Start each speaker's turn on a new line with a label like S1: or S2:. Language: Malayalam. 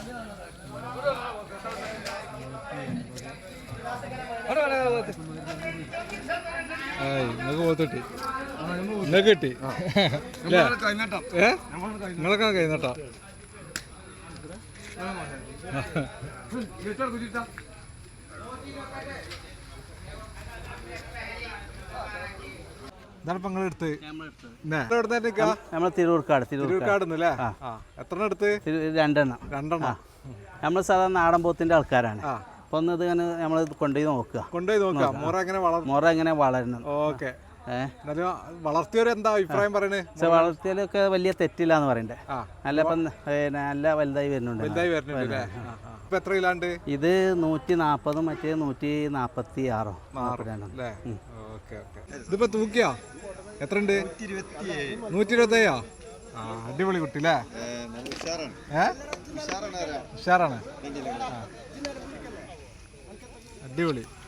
S1: നിങ്ങൾക്ക് പോത്തിട്ടി നിങ്ങൾക്ക് കിട്ടി നിങ്ങളൊക്കെ കഴിഞ്ഞിട്ടാ
S2: നമ്മൾ തിരൂർക്കാട്
S1: എത്ര എടുത്ത്?
S2: രണ്ടെണ്ണം. നമ്മൾ സാധാരണ നാടൻ പോത്തിന്റെ ആൾക്കാരാണ്. അപ്പൊ ഒന്ന് ഇത് ഇങ്ങനെ നമ്മൾ കൊണ്ടുപോയി നോക്കുക മുറ എങ്ങനെ വളരണം.
S1: ഓക്കെ, വളർത്തിയവരെന്താ അഭിപ്രായം പറയണേ?
S2: വളർത്തിയാലൊക്കെ വലിയ തെറ്റില്ല എന്ന് പറയണ്ടേ. നല്ല വലുതായി വരുന്നുണ്ട്.
S1: എത്ര കിലാണ്ട്?
S2: ഇത് 140, മറ്റേ 146.
S1: ഇതിപ്പോ തൂക്കിയാ എത്ര ഉണ്ട്? 127. അടിപൊളി കുട്ടി അല്ലേ? ഉഷാറാണ്, അടിപൊളി.